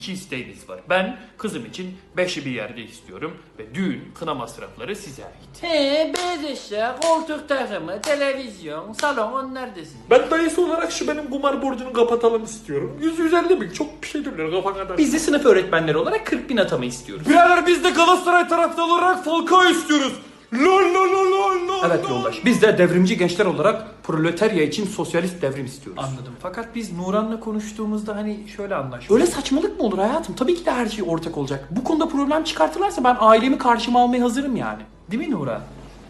İki isteğiniz var. Ben kızım için beşi bir yerde istiyorum ve düğün kına masrafları size ait. Beyaz eşya, koltuk takımı, televizyon, salon onlar da sizin. Ben dayısı olarak şu benim kumar borcunu kapatalım istiyorum. 150 bin çok bir şey diyorlar kafa kadar. Biz de sınıf öğretmenleri olarak 40 bin atama istiyoruz. Birader biz de Galatasaray taraftarı olarak Falcao istiyoruz. Lol lol lol lol lol. Evet yoldaş. Biz de devrimci gençler olarak proletarya için sosyalist devrim istiyoruz. Anladım. Fakat biz Nuran'la konuştuğumuzda hani şöyle anlaştık. Öyle saçmalık mı olur hayatım? Tabii ki de her şey ortak olacak. Bu konuda problem çıkartırlarsa ben ailemi karşıma almaya hazırım yani. Değil mi Nuran?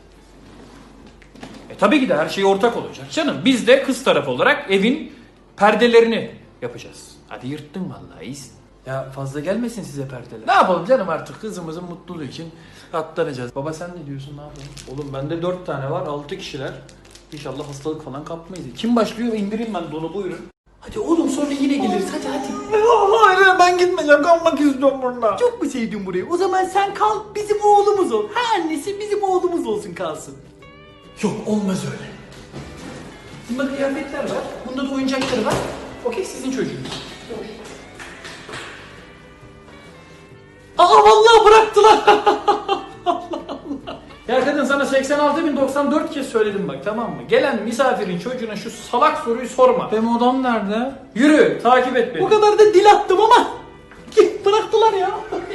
Tabii ki de her şey ortak olacak canım. Biz de kız tarafı olarak evin perdelerini yapacağız. Hadi yırttın vallahi iyisin. Ya fazla gelmesin size perdeler. Ne yapalım canım artık kızımızın mutluluğu için katlanacağız. Baba sen ne diyorsun ne yapalım? Oğlum bende 4 tane var, 6 kişiler. İnşallah hastalık falan kapmayız. Kim başlıyor? İndireyim ben donu, buyurun. Hadi oğlum sonra yine geliriz hadi. Hayır ben gitmeyeceğim kalmak istiyorum burada. Çok mu sevdin burayı? O zaman sen kal bizim oğlumuz ol. Ha annesi bizim oğlumuz olsun kalsın. Yok olmaz öyle. Bunda kıyafetler var, bunda da oyuncakları var. Okey, sizin çocuğunuz. Aa vallahi bıraktılar. Ya kadın sana 86.094 kez söyledim bak, tamam mı? Gelen misafirin çocuğuna şu salak soruyu sorma. Benim odam nerede? Yürü, takip et beni. O kadar da dil attım ama bıraktılar ya.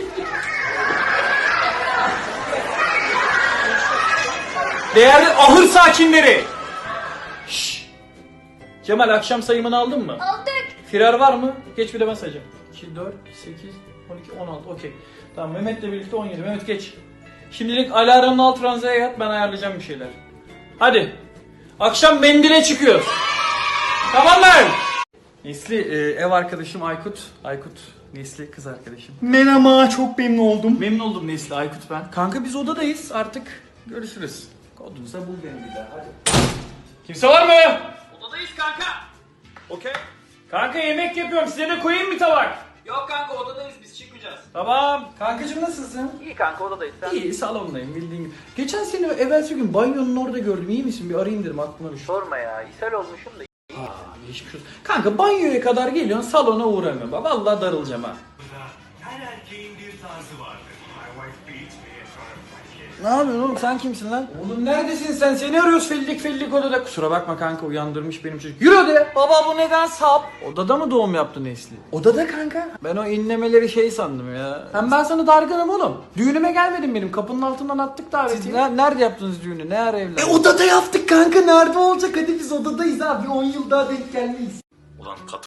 Değerli ahır sakinleri. Şşş. Cemal, akşam sayımını aldın mı? Aldık. Firar var mı? Geç, bir de ben sayacağım. 2, 4, 8, 12, 16. Okey. Tamam, Mehmet'le birlikte 17. Mehmet geç. Şimdilik alarmın alt ranzaya yat, ben ayarlayacağım bir şeyler. Hadi. Akşam mendile çıkıyoruz. Tamam mı? Nesli, ev arkadaşım Aykut. Aykut, Nesli kız arkadaşım. Merhaba çok memnun oldum. Memnun oldum Nesli, Aykut ben. Kanka biz odadayız artık. Görüşürüz. Kodunsa bul beni bir daha, hadi. Kimse var mı? Odadayız kanka. Okey. Kanka yemek yapıyorum, size de koyayım mı tabak? Yok kanka odadayız biz çıkmayacağız. Tamam. Kankacığım nasılsın? İyi kanka, odadayız sen. İyi, salondayım bildiğin gibi. Geçen seni evvelsi gün banyonun orada gördüm, iyi misin? Bir arayayım dedim, aklıma düştü. Sorma ya ishal olmuşum da. Geçmiş olsun. Kanka banyoya kadar geliyorsun, salona uğramıyorum. Bak vallahi darılacağım ha. Her erkeğin bir tarzı vardır. My wife beats me in front of my kids. Ne yapıyorsun oğlum, sen kimsin lan? Oğlum neredesin sen? Seni arıyoruz fellik odada. Kusura bakma kanka, uyandırmış benim çocuk. Yürü odaya. Baba bu neden sap? Odada mı doğum yaptı Nesli? Odada kanka. Ben o inlemeleri şey sandım ya. Hem ben sana dargınım oğlum. Düğünüme gelmedin benim. Kapının altından attık davetiyi. Siz nerede yaptınız düğünü? Ne ara evlendiniz? Odada yaptık kanka nerede olacak hadi biz odadayız abi 10 yıl daha denk gelmeyiz. Ulan